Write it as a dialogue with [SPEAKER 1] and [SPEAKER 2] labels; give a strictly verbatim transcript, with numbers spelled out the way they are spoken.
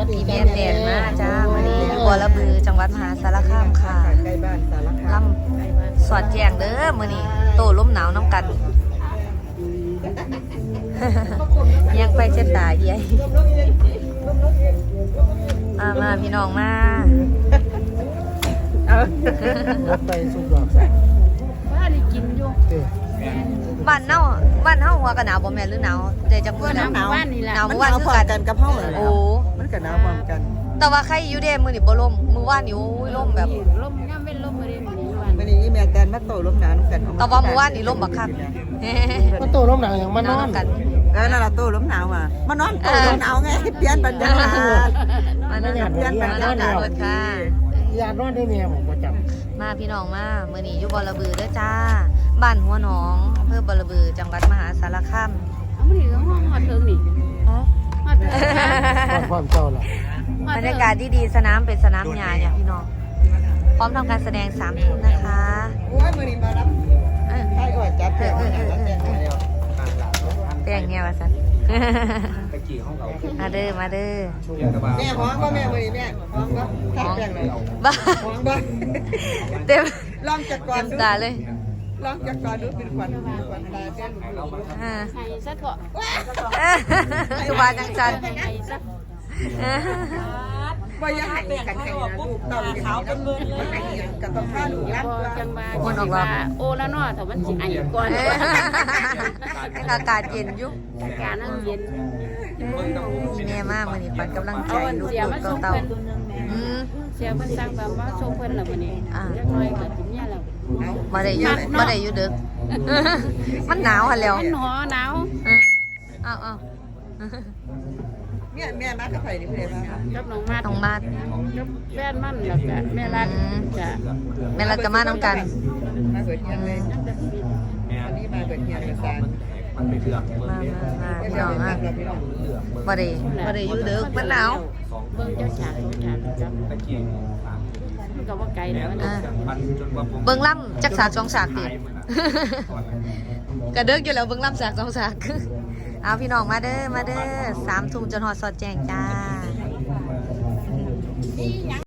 [SPEAKER 1] พี่แม่แดนมาจ้าวันนี้บัวระบือจังหวัดมหาสารคามค่ะ
[SPEAKER 2] ใกล้บ้านสารคา
[SPEAKER 1] ล
[SPEAKER 2] ม
[SPEAKER 1] ำสอดแจงเด้อมื้อนี้โตล้มหนาวน้ำกัน ยังไปเช็ดตาเยี่ยมามาพี่น้องมา
[SPEAKER 2] ไปสุดดอกใส่
[SPEAKER 3] ว่าได้กินอยู่
[SPEAKER 2] เต้
[SPEAKER 1] บ้านเน่าบ้านเฮาหัวกันหนาวบ่แม่นหรือหนาวใจจังมื้อแล้ว
[SPEAKER 3] หนาวบ้านนี่แหละ
[SPEAKER 1] หนาว
[SPEAKER 2] มัน
[SPEAKER 1] เมื่อ
[SPEAKER 2] ห
[SPEAKER 1] วาน
[SPEAKER 2] นาว
[SPEAKER 1] คื
[SPEAKER 2] พ
[SPEAKER 1] อ
[SPEAKER 2] ร้อ
[SPEAKER 1] กั
[SPEAKER 2] ม
[SPEAKER 1] น
[SPEAKER 2] กันกับเฮาเลย
[SPEAKER 1] โอ้
[SPEAKER 2] มันก็หนาวพร้อมกัน
[SPEAKER 1] แต่ว่าใครอยู่เด้มื้อนี้บ่ล่มมื้อวานนี่โอ้ยล่มแบบ
[SPEAKER 3] ลมย่ำเป็นลมมาเรื่อยๆวัน
[SPEAKER 2] วันนี้อีแม่แตนมาโตลมหนาวกัน
[SPEAKER 1] แต่ว่ามื้อวานนี่ล่มบักคัก
[SPEAKER 4] มันโตล้มหนังอย่างมันนอน
[SPEAKER 1] กัน
[SPEAKER 2] เออนั่นล่ะโตลมหนาวอ่ะมานอนโตลมหนาวไงเปลี่ยนบรรยากาศ
[SPEAKER 1] มานั่งกันเพื่อนมานั่งกันเบิดค่ะ
[SPEAKER 4] ยานอนได้เมียผมประจ
[SPEAKER 1] มาพี่น้องมามื้อนี้อยู่บ่อระบือเด้อจ้าบ้านหัวหนองอำเภอบ่อระบือจังหวัดมหาสารคาม
[SPEAKER 3] เอามาถึงห้องหอดเทิงนี่หอดเทิง
[SPEAKER 4] ำความความเจ้าล่ะ
[SPEAKER 1] บรรยากาศดีๆสนามเป็นสนามหญ้าเนี่ยพี่น้องพร้อมทำการแสดงสามทุ่มนะคะ
[SPEAKER 2] โอ้ยมื้อนี้มารับ
[SPEAKER 1] เออ
[SPEAKER 2] ให้ก่อนจับแถวแล้วแต่งแล้ว
[SPEAKER 1] แต่งเนี่ยว่าสัน มาเด้อมาเด้อ
[SPEAKER 2] แม่ฮ้องบ่แม่มื้อนี้แม่ฮ้องบ่ทักแป้งเลย
[SPEAKER 1] บ้า
[SPEAKER 2] ฮ้องบ่
[SPEAKER 1] เต็ม
[SPEAKER 2] ลองจักก่อน
[SPEAKER 1] เต็ม
[SPEAKER 2] ดู
[SPEAKER 1] ตาเลย
[SPEAKER 2] ลองจักก่อนดูเป็นขวัญขวัญตาแป้ง
[SPEAKER 1] อ่า
[SPEAKER 3] ไห้ซะเถอะ
[SPEAKER 1] อยู่บ้านจังจัน
[SPEAKER 3] ไห้ซะ
[SPEAKER 2] บ่อยากให้กันให้นะลูกเต้าขาวเป็นมือเลยกับต้องพาลูกรับ
[SPEAKER 3] พอ
[SPEAKER 2] ว่า
[SPEAKER 3] จังบาจังบาโอแล้วเนาะแต่มันสิไอก่อน
[SPEAKER 1] อากาศเย็นอยู่
[SPEAKER 3] การนั่งเย็น
[SPEAKER 1] แม่มากมื้อนี้ขวัญกำลังใจ
[SPEAKER 3] เอาอัน
[SPEAKER 1] ลูก
[SPEAKER 3] เสียมาส่ง
[SPEAKER 1] เต่า
[SPEAKER 3] เพิ่น
[SPEAKER 1] ๆอืม
[SPEAKER 3] เสียเพิ่นสั่งแบบว่าส่งเพิ่นแล้วมื้อนี้เล็กน้อยก็สิเนี่ยแล้ว
[SPEAKER 1] บ่ได้อยู่บ่ได้อยู่ดึก มันหนาวหั่นแล้ว
[SPEAKER 3] มันหนอหนาว
[SPEAKER 1] อืมเอาเอา
[SPEAKER 2] เนี่ยแม่มากับไผนี่เพิ่นมา
[SPEAKER 3] กับน้องมาด
[SPEAKER 1] ต้องมาด
[SPEAKER 3] กับแฟนมันแล้วก็แม่รักจะ
[SPEAKER 1] แม่รัดกับมาน้ำกัน
[SPEAKER 2] มาเบิดเฮียนเลยอันนี้มาเบิดเฮียนกับซาน
[SPEAKER 1] มามามาพี่น้องอ่ะบ่ได้บ่ได้อยู่ดึกมันหนาว
[SPEAKER 3] เบิ่งเจ้าฉากเจ้าฉากจับมันก็ว่าไกลแล้วนะ
[SPEAKER 1] อ่าเบิ่งล่ำจักสากสองสากติ กระเดิกอยู่แล้วเบิ่งล่ำสากสองสาก เอาพี่น้องมาเด้อมาเด้อสามทุ่มจนหอดสอดแจงจ้า